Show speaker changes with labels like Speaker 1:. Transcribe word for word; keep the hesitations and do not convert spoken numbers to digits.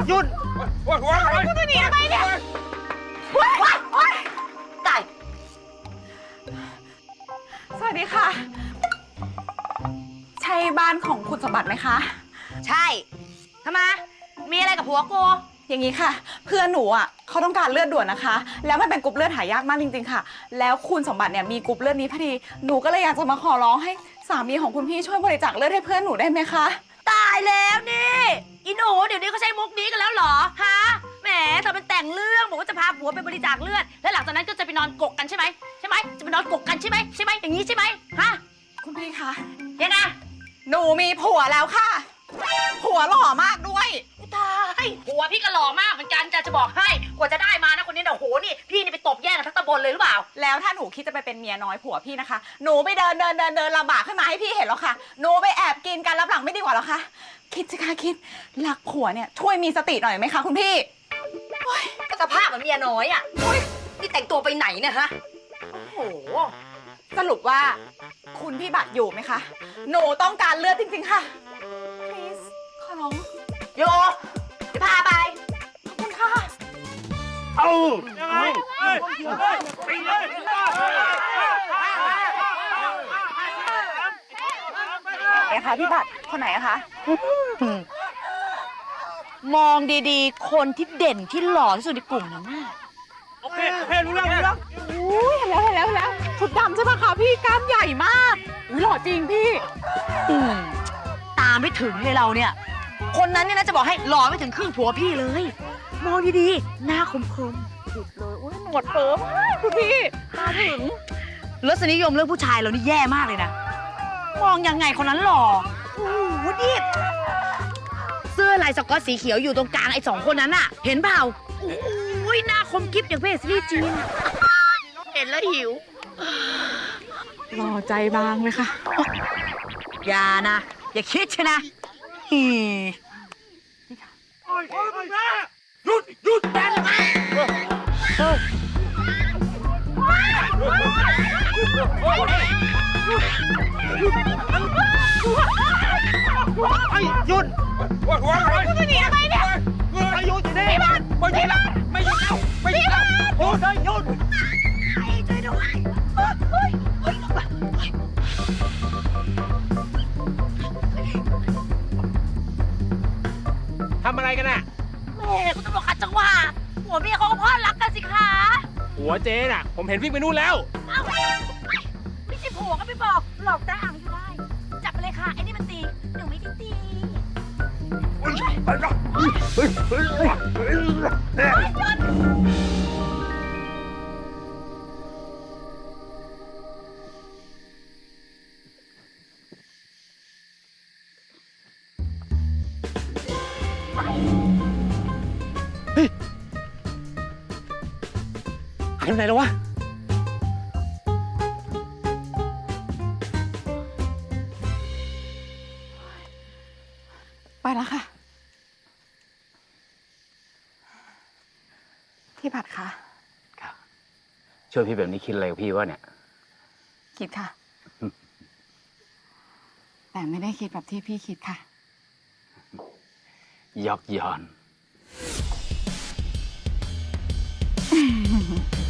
Speaker 1: หยุดโอ้ยโอ้ยโอ้ยคุณจะหนีทำไมเนี่ยโอ้ยโอ้ยโอ้ยตายสวัสดีค่ะใช่บ้านของคุณสมบัติไหมคะใช่ทำไมมีอะไรกับผัวกูอย่างนี้ค่ะ เพื่อนหนูอ่ะเขาต้องการเลือดด่วนนะคะแล้วมันเป็นกรุ๊ปเลือดหายากมากจริงๆค่ะแล้วคุณสมบัติเนี่ยมีกรุ๊ปเลือดนี้พอดีหนูก็เลยอยากจะมาขอร้องให้สามีของคุณพี่ช่วยบริจาคเลือดให้เพื่อนหนูได้ไหมคะตายแล้วนี่อีหนูเดี๋ยวนี้เขาใช้มุกนี้กันแล้วเหรอฮะแหมเธอเป็นแต่งเรื่องบอกว่าจะพาผัวไปบริจาคเลือดแล้วหลังจากนั้นก็จะไปนอนกกกันใช่ไหมใช่ไหมจะไปนอนกกกันใช่ไหมใช่ไหมอย่างนี้ใช่ไหมฮะคุณพี่คะยังไงหนูมีผัวแล้วค่ะผัวหล่อมากด้วยตายผัวพี่ก็หล่อมากเหมือนกันจะจะบอกให้กว่าจะได้มานะคนนี้เนี่ยโหนี่พี่นี่ไปตบแย่งกันทั้งตำบลเลยหรือเปล่าแล้วถ้าหนูคิดจะไปเป็นเมียน้อยผัวพี่นะคะหนูไปเดินเดินเดินเดินลำบากขึ้นมาให้พี่เห็นหรอคะหนูไปแอบกินกันรับหลังไม่ดีกว่าหรอคะคิดสิคะคิดรักผัวเนี่ยช่วยมีสติหน่อยไหมคะคุณพี่ก็สภาพเหมือนเมียน้อยอ่ะนี่แต่งตัวไปไหนเนี่ยฮะโอ้โหสรุปว่าคุณพี่บัตรอยู่ไหมคะหนูต้องการเลือดจริงๆค่ะ please ขอร้องโยจะพาไปขอบคุณค่ะเอายังไงไปเลยไหนคะพี่บัตรคนไหนอะคะมองดีๆคนที่เด่นที่หล่อที่สุดในกลุ่มนั้นน่ะโอเคโอเครู้แล้วรู้แล้วอุ้ยเห็นแล้วเห็นแล้วเห็นแล้วชุดดำใช่ปะคะพี่กล้ามใหญ่มากอุ้ยหล่อจริงพี่ตามไม่ถึงเลยเราเนี่ยคนนั้นเนี่ยนะจะบอกให้หล่อไม่ถึงครึ่งผัวพี่เลยมองดีๆหน้าคมๆสุดเลยอุ้ยหนวดเฟิร์มคุณพี่ตาถึงรสนิยมเรื่องผู้ชายเรานี่แย่มากเลยนะมองยังไงคนนั้นหล่อโอ้โหดิเสื้อลายสก๊อตสีเขียวอยู่ตรงกลางไอ้สองคนนั้นอะเห็นเปล่าโอ้ยหน้าคมกิ๊บอย่างเพศซีรีส์จีนเห็นแล้วหิวหล่อใจบางเลยค่ะอย่านะอย่าคิดใช่นะฮีหยุดหยุดแบนมาไอ้หยุดคุณจะหนีทำไมเนี่ยไอ้หยุดดิพี่บ้านพี่บ้านไม่หยุดแล้วไม่หยุดแล้วโอ้ยหยุดไอ้ช่วยด้วยเฮ้ยเฮ้ย
Speaker 2: ทำอะไรกันน่ะ
Speaker 1: แม่คุณตำรวจขัดจังหวะหัวเมียเขาก็พ่อรักกันสิคะ
Speaker 2: หัวเจ๊น่ะผมเห็นวิ่งไปนู่นแล้ว
Speaker 1: เอ้าไม่ใช่ผัวก็ไม่บอกหลอกได้อ่างอยู่ได้จับไปเลยค่ะไอ้นี่มันตีหนูไม่ได้ตี
Speaker 2: เฮ้ยหายไปไหนแล้ววะ
Speaker 3: ไปแล้วค่ะพี่ผัดคะ
Speaker 2: ครับช่วยพี่แบบนี้คิดอะไรกับพี่วะเนี่ย
Speaker 3: คิดค่ะ แต่ไม่ได้คิดแบบที่พี่คิดค่ะ
Speaker 2: ยอกย้อน